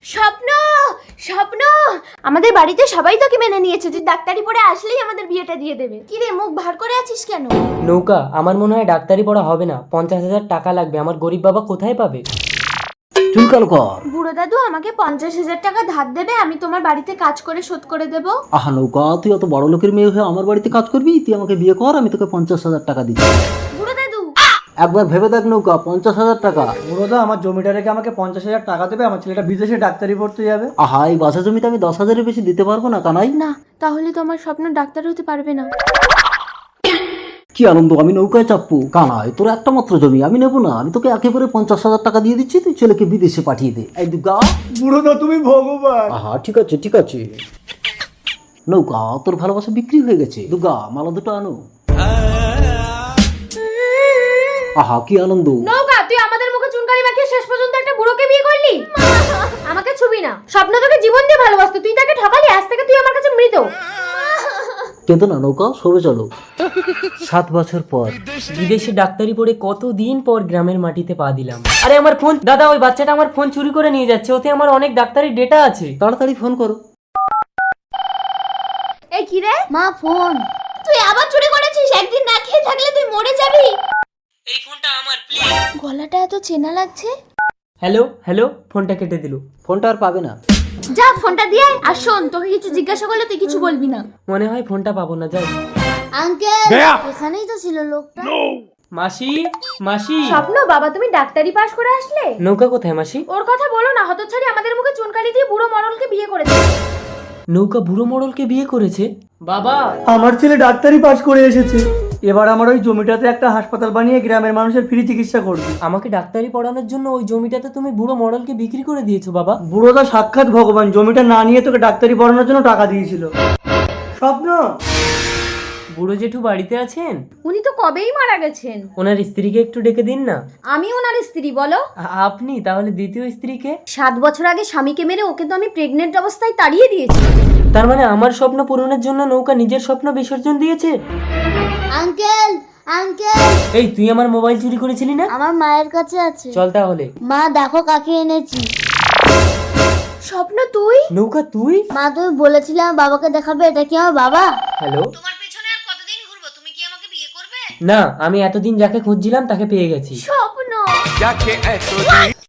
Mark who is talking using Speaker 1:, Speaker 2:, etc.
Speaker 1: স্বপ্ন, স্বপ্ন, আমাদের বাড়িতে সবাই তোকে মেনে নিয়েছে, তুই ডাক্তারি পড়ে আসলেই আমাদের বিয়েটা দিয়ে দেবে। কি রে, মুখ ভার করে আছিস কেন?
Speaker 2: নৌকা, আমার মনে হয় ডাক্তারি পড়া হবে না, 50,000 টাকা লাগবে। আমার গরিব বাবা কোথায় পাবে?
Speaker 3: চুলকাল কর।
Speaker 1: বুড়ো দাদু আমাকে 50,000 টাকা ধার দেবে, আমি তোমার বাড়িতে কাজ করে শোধ করে দেব।
Speaker 3: আহা নৌকা, তুই অত বড় লোকের মেয়ে হয়ে আমার বাড়িতে কাজ করবি? তুই আমাকে বিয়ে কর, আমি তোকে 50,000 টাকা দিচ্ছি।
Speaker 1: বুড়ো দাদু,
Speaker 3: একবার ভেবে দেখ নৌকা, 50,000 টাকা।
Speaker 4: বুড়োদা আমার জমিটা রেখে আমাকে 50,000 টাকা দেবে, আমার ছেলেটা বিদেশে ডাক্তারি পড়তে যাবে।
Speaker 3: আহা, এই বাসা জমিতে আমি 10,000-এর বেশি দিতে পারবো না কানাই।
Speaker 1: না তাহলে তো আমার স্বপ্ন ডাক্তার হতে পারবে না।
Speaker 3: কি আনন্দ, আমি নৌকায় চাপবো? কানাই, তোর একটা মাত্র জমি, আমি নেবো না। আমি তোকে একেবারে 50,000 টাকা দিয়ে দিচ্ছি, তুই ছেলেকে বিদেশে পাঠিয়ে দে। এই দুর্গা।
Speaker 4: বুড়োদা তুমি ভগবান।
Speaker 3: আহা, ঠিক আছে ঠিক আছে। নৌকা, তোর ভালোবাসা বিক্রি হয়ে গেছে। দুর্গা, মালা দুটো আনো। আহা, কি আনন্দ।
Speaker 1: নৌকা, তুই আমাদের মুখে চুনকালি মাখিয়ে শেষ পর্যন্ত একটা বুড়োকে বিয়ে করলি। আমাকে ছুবি না, স্বপ্ন তোকে জীবন দিয়ে ভালোবাসতো, তুই তাকে ঠকালি, আজ থেকে তুই আমার কাছে মৃত।
Speaker 3: কেঁদো না নৌকা, সবে চলো। 7 বছর পর।
Speaker 2: বিদেশে ডাক্তারি পড়ে কতদিন পর গ্রামের মাটিতে পা দিলাম। আরে আমার ফোন, দাদা ওই বাচ্চাটা আমার ফোন চুরি করে নিয়ে যাচ্ছে, ওতে আমার অনেক ডাক্তারি ডেটা আছে।
Speaker 3: তাড়াতাড়ি ফোন করো।
Speaker 1: এই কি রে? মা ফোন। তুই আবার চুরি করেছিস? একদিন না খেয়ে থাকলে তুই মরে যাবি।
Speaker 2: এই ফোনটা আমার, প্লিজ।
Speaker 1: গলাটা এত চেনা লাগছে।
Speaker 2: হ্যালো হ্যালো, ফোনটা কেটে দিল।
Speaker 3: ফোনটা আর পাবে না।
Speaker 1: যা ফোনটা দিয়ে আয়। আর শোন, তোকে কিছু জিজ্ঞাসা করলে তুই কিছু বলবি না।
Speaker 2: মনে হয় ফোনটা পাবো না, যাই।
Speaker 1: আঙ্কেল, এখানেই তো ছিল লোকটা।
Speaker 2: মাসি, মাসি।
Speaker 1: স্বপ্ন, বাবা তুমি ডাক্তারি পাশ করে আসলে?
Speaker 2: নৌকা কোথায় মাসি?
Speaker 1: ওর কথা বলো না, হতচ্ছাড়ি আমাদের মুখে চুনকালি দিয়ে বুড়ো মরলকে বিয়ে করেছে।
Speaker 2: নৌকা বুড়ো মডলকে বিয়ে করেছে? বাবা,
Speaker 4: আমার ছেলে ডাক্তারি পাশ করে এসেছে, এবার আমার ওই জমিটাতে একটা হাসপাতাল বানিয়ে গ্রামের মানুষের ফ্রি চিকিৎসা করবি।
Speaker 2: আমাকে ডাক্তারি পড়ানোর জন্য ওই জমিটাতে তুমি বুড়ো মডলকে বিক্রি করে দিয়েছো বাবা।
Speaker 4: বুড়োদা সাক্ষাৎ ভগবান, জমিটা না নিয়ে তোকে ডাক্তারি পড়ানোর জন্য টাকা দিয়েছিল। স্বপ্ন,
Speaker 2: বুড়ো জেঠু বাড়িতে আছেন?
Speaker 1: উনি তো কবেই মারা গেছেন।
Speaker 2: ওনার স্ত্রীকে একটু ডেকে দিন না।
Speaker 1: আমি ওনার স্ত্রী, বলো।
Speaker 2: আপনি তাহলে দ্বিতীয় স্ত্রীকে?
Speaker 1: 7 বছর আগে স্বামীকে মেরে ওকে তো আমি প্রেগনেন্ট অবস্থায় তাড়িয়ে দিয়েছি।
Speaker 2: তার মানে আমার স্বপ্ন পূরণের জন্য নৌকা নিজের স্বপ্ন বিসর্জন দিয়েছে?
Speaker 5: আঙ্কেল, আঙ্কেল,
Speaker 2: এই তুই আমার মোবাইল চুরি করেছিলি না?
Speaker 5: আমার মায়ের কাছে আছে।
Speaker 2: চল তাহলে।
Speaker 5: মা দেখো কাকে এনেছি।
Speaker 1: স্বপ্ন তুই?
Speaker 2: নৌকা তুই?
Speaker 5: মা তুমি বলেছিলে আমার বাবাকে দেখাবে, এটা কি আমার বাবা?
Speaker 2: হ্যালো।
Speaker 1: তোমার পেছনে আর কতদিন ঘুরবো? তুমি কি আমাকে বিয়ে করবে?
Speaker 2: না, আমি এতদিন যাকে খুঁজছিলাম তাকে পেয়ে গেছি।
Speaker 1: স্বপ্ন।